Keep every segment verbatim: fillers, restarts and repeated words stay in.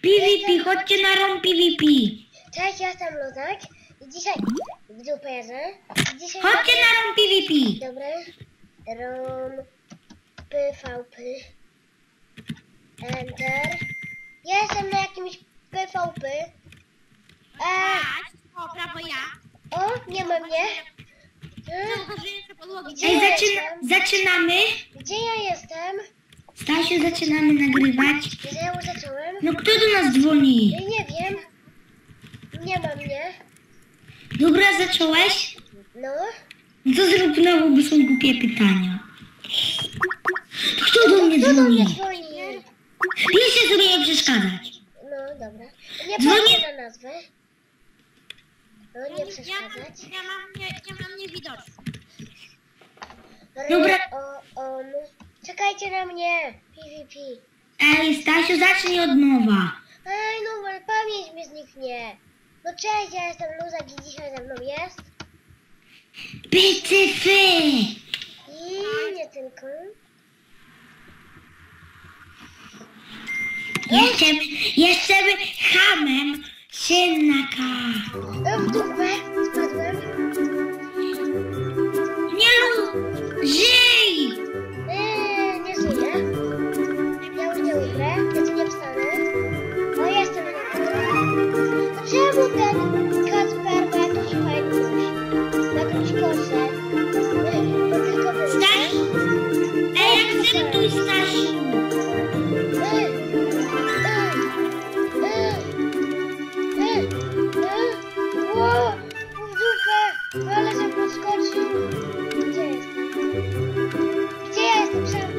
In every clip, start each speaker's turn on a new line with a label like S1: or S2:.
S1: PvP, chodźcie na rom PvP.
S2: Cześć, ja jestem Luzak i dzisiaj w duperze. Dzisiaj
S1: Chodźcie na rom PvP.
S2: Dobra. Rom PvP. Enter. Ja jestem na jakimś PvP. Eee,
S3: O, prawo ja.
S2: o, nie ma mnie.
S3: Założyłem podłogi.
S2: Gdzie
S1: Ej,
S2: ja
S1: zaczyna,
S2: jestem?
S1: zaczynamy.
S2: Gdzie ja jestem?
S1: Stasiu, zaczynamy nagrywać.
S2: Gdzie ja już zacząłem?
S1: No kto do nas dzwoni?
S2: Ja nie wiem. Nie ma mnie.
S1: Dobra, zacząłeś?
S2: No.
S1: No to zrób znowu, bo są głupie pytania. Kto do mnie
S2: Kto do mnie
S1: dzwoni?
S2: dzwoni?
S1: Piszę sobie nie przeszkadzać.
S2: No, dobra. Nie
S1: Dzwoni-
S2: patrzę na nazwę. No, nie
S3: Ja mam,
S2: przeszkadzać.
S3: ja mam, nie, ja mam niewidoczny.
S1: Dobra.
S2: O, on. Czekajcie na mnie. PvP.
S1: Ej, Stasiu, zacznij od nowa.
S2: Ej, no ale pamięć mi zniknie. No cześć, ja jestem Luzak i dzisiaj ze mną jest.
S1: Pycyfy!
S2: I nie tylko.
S1: Jeszcze, jeszcze by hamem synaka.
S2: E, W dupę spadłem.
S1: Nie lu... Żyj!
S2: Eee, nie żyję. Ja już nie umrę. Ja tu nie wstanę. O, jestem na górze. To czemu ten Kacper ma jakiś fajny na jakąś kosę? Eee, to tylko wy.
S1: Staś? Ej, akceptuj, Stasiu.
S2: Eee, eee, eee, eee, eee. Ło, w dupę. Ale się podskoczył. Gdzie jestem? Gdzie ja jestem sam?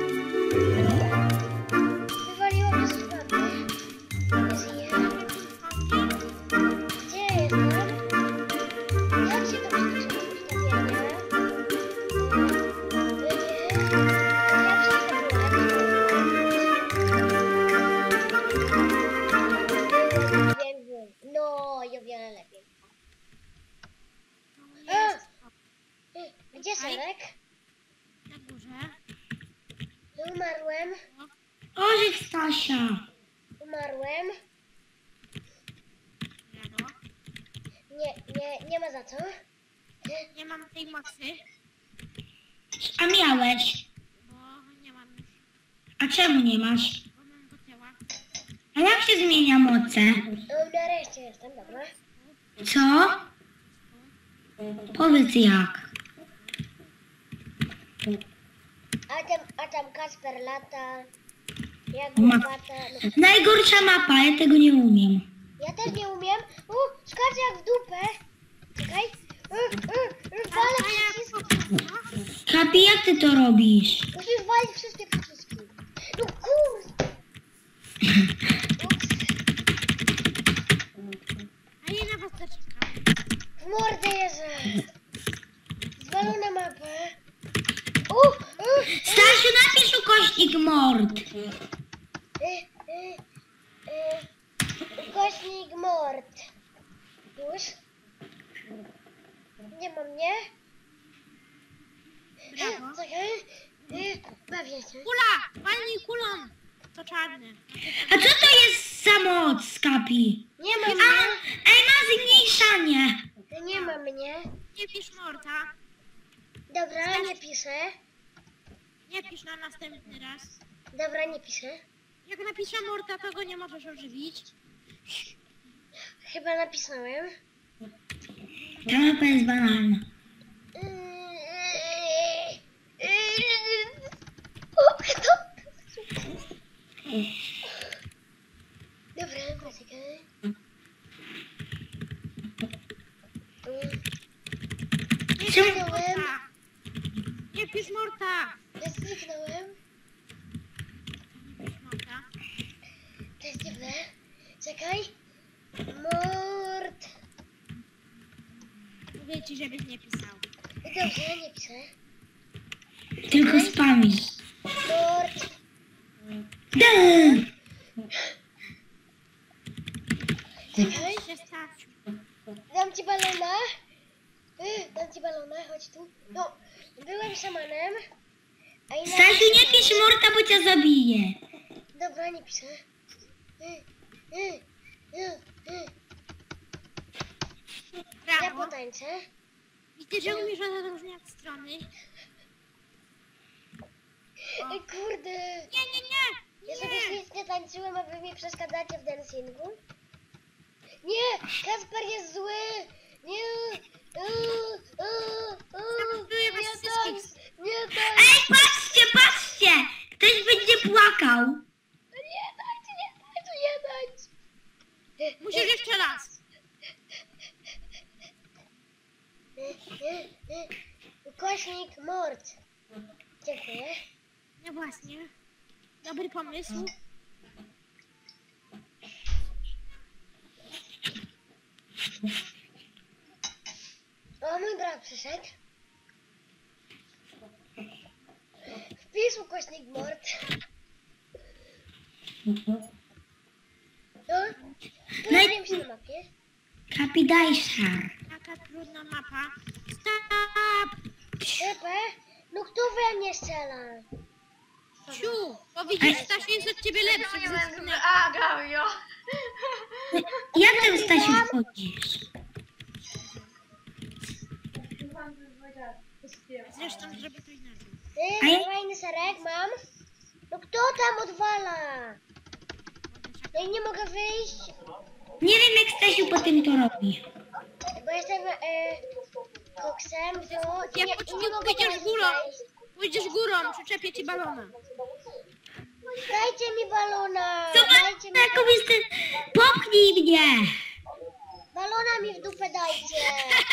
S2: Wywaliło mnie z czwarty. Nie żyję. Gdzie ja jestem? Jak się to przeczyta ustawienia? Jak się to no, i o wiele lepiej. A! Y, Gdzie Selek?
S3: Na górze.
S2: Umarłem.
S1: Orzech Stasia.
S2: Umarłem.
S3: Brawo.
S2: Nie, nie, nie ma za co.
S3: Nie mam tej mocy,
S1: A miałeś?
S3: bo nie mam już.
S1: A czemu nie masz?
S3: Bo mam do tyła.
S1: A jak się zmienia moce?
S2: No, nareszcie jestem, dobra.
S1: Co? Powiedz jak.
S2: A tam, a tam Kacper lata. Jak
S1: Ma-
S2: łopata. No.
S1: Najgorsza mapa, ja tego nie umiem.
S2: Ja też nie umiem. U, skaczę jak w dupę. Czekaj. U, u, u, walę przyciski.
S1: Kapi, jak ty to robisz?
S2: Musisz walić wszystkie przyciski. No kurde. Ups.
S3: A ja na was zaczekam.
S2: W mordę jeżdżę. Zwalona mapę. U, u,
S1: Stasiu, napisz ukośnik mord.
S2: y, y, y, ukośnik mord. Już? Nie ma mnie?
S3: Brawo.
S2: Czekaj. Y, bawię się.
S3: Kula! Walnij kulą! To czarny.
S1: A co to jest za moc, Kapi?
S2: Nie ma
S1: A,
S2: mnie.
S1: ej, ma zmniejszanie.
S2: Nie ma mnie.
S3: Nie pisz Morta.
S2: Dobra, nie piszę.
S3: Nie pisz na następny raz.
S2: Dobra, nie piszę.
S3: Jak napiszę Morta, to go nie możesz ożywić.
S2: Chyba napisałem.
S1: Ta mapa jest banalna.
S2: O, kto? Dobra, poczekaj.
S3: Nie
S1: Czemu-
S3: pisz Morta! Nie pisz Morta!
S2: Ja zniknąłem.
S3: Nie pisz Morta.
S2: To jest dziwne. Czekaj. Mord.
S3: Mówię ci, żebyś nie pisał.
S2: Dobrze, nie piszę.
S1: Tylko spamisz.
S2: Mord.
S1: Dum.
S2: Czekaj.
S3: Się stać.
S2: Dam ci balona. Y, Dam ci balona, chodź tu. No, byłem szamanem. A inaczej...
S1: Stasiu, nie pisz morta, bo cię zabiję.
S2: Dobra, nie piszę. Y, Y, y, y. Ja
S3: Brawo.
S2: potańczę.
S3: Widzę, że umiesz rozróżniać strony.
S2: Ej, kurde.
S3: Nie, nie, nie!
S2: Ja sobie
S3: Nie!
S2: świetnie tańczyłem, a wy mi przeszkadzacie w dancingu. Nie! Kasper jest zły! Nie! Uuu, uuu, uuu,
S3: Zabiję was
S2: nie
S3: wszystkich.
S2: tańcz! Nie tańcz!
S1: Ej, patrzcie, patrzcie! Ktoś będzie płakał.
S2: Nie tańcz, nie tańcz, nie tańcz!
S3: Musisz jeszcze raz.
S2: Ukośnik mord. Dziękuję.
S3: No właśnie. Dobry pomysł.
S2: O, mój brat przyszedł. Wpisz ukośnik mord. No,
S1: No i-
S2: pojawiłem się na mapie.
S1: Kapidajszar.
S3: Taka trudna mapa. Stop!
S2: Pepe, no kto we mnie strzela?
S3: Ciu! Bo widzisz, Stasiu jest od ciebie lepszy. ze względu-
S4: A, Gawio!
S1: Jak ty, Stasiu, wchodzisz?
S3: Zresztą zrobię to inaczej.
S2: Ty,
S1: A ja-
S2: fajny serek mam. No kto tam odwala? No i nie mogę wyjść,
S1: Nie wiem, jak Stasiu potem to robi.
S2: bo jestem e, koksem, no i
S3: Jak
S2: nie,
S3: po
S2: i
S3: cichu
S2: nie mogę
S3: pójdziesz
S2: teraz
S3: górą.
S2: wejść.
S3: Pójdziesz górą, przyczepię ci balona.
S2: Dajcie mi balona!
S1: Zobacz,
S2: Dajcie mi
S1: jaką jestem... Popchnij mnie!
S2: balona mi w dupę dajcie!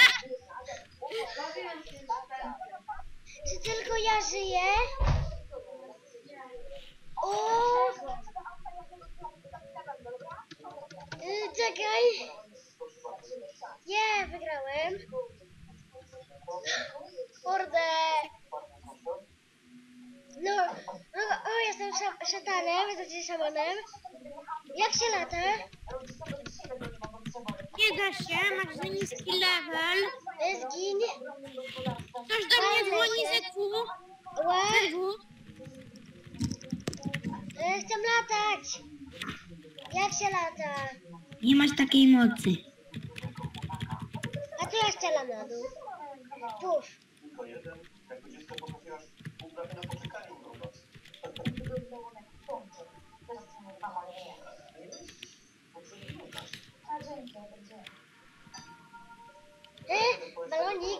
S2: Czy tylko ja żyję? O! Y, czekaj! Nie, wygrałem! Kurde! No, no, o, jestem szam, szatanem, znaczy szamanem. Jak się lata?
S3: Nie da się, masz za niski level.
S2: Y, Zgiń!
S3: Ktoś do mnie dzwoni ze dwu.
S2: Ła!
S3: Ze dwu.
S2: Y, chcę latać! Jak się lata?
S1: Nie masz takiej mocy.
S2: A to ja strzelam na dół. Puf! Y, balonik!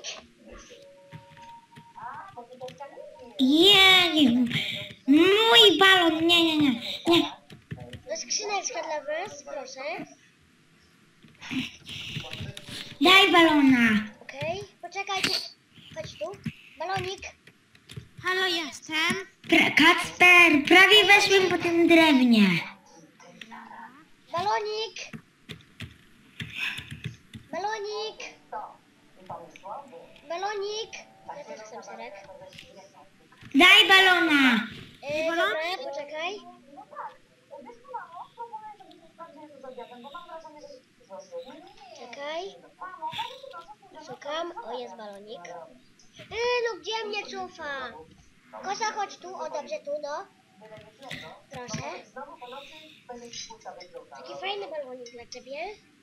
S1: Nie, nie. Mój balon, nie, nie, nie. Nie.
S2: No skrzyneczka dla was, proszę.
S1: Daj balona.
S2: Okej, poczekajcie. Chodź tu. Balonik.
S3: Halo, jestem.
S1: Pra Kacper, prawie weszłem po tym drewnie.
S2: Balonik. Balonik. Balonik. Ja też chcę serek.
S1: Daj balona.
S2: Yy, dobra, poczekaj. Czekaj. Szukam. O, jest balonik. Yy, no gdzie mnie cofa? Kosa, chodź tu. O, dobrze, tu, no. Proszę. Taki fajny balonik dla ciebie.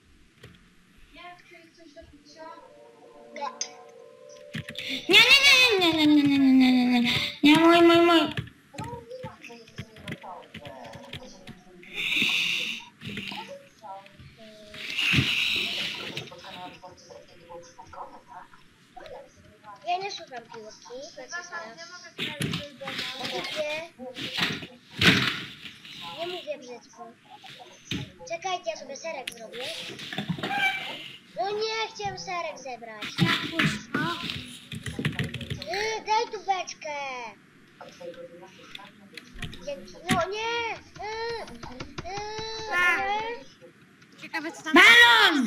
S2: Nie.
S1: Nie, nie, nie, nie, nie, nie, nie, nie, nie, nie. Nie, mój, mój, mój.
S2: Ja nie szukam piłki. Nie. Nie mówię brzydko. Czekajcie, ja sobie serek zrobię. No nie, chciałem serek zebrać.
S3: Puszko.
S2: Yy, daj tu beczkę. Dzięki. No nie. Yy, yy,
S3: Ciekawe co tam...
S1: Balon!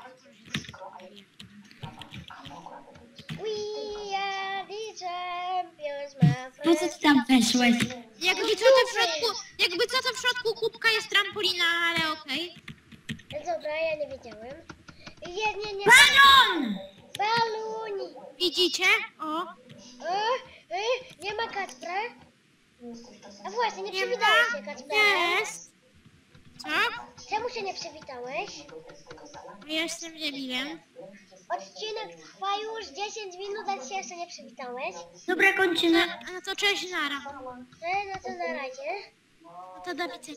S2: We are the champions, my
S1: Po co
S2: friends.
S1: ty tam weszłeś?
S3: Jakby co to w środku... Jakby co to w środku kubka jest trampolina, ale okej.
S2: Dobra, ja nie wiedziałem. Nie, nie, nie.
S1: Balon!
S2: Baluni.
S3: Widzicie? O.
S2: O, y, nie ma Kacpra? A właśnie, nie
S3: Nie
S2: przywitałeś
S3: ma.
S2: się, Kacpra.
S3: Jest. Co?
S2: Czemu się nie przywitałeś?
S3: Ja jestem debilem.
S2: Odcinek trwa już dziesięć minut, a się jeszcze nie przywitałeś.
S1: Dobra, kończymy.
S3: A no to cześć, nara.
S2: No, no to na razie.
S3: No to do widzenia.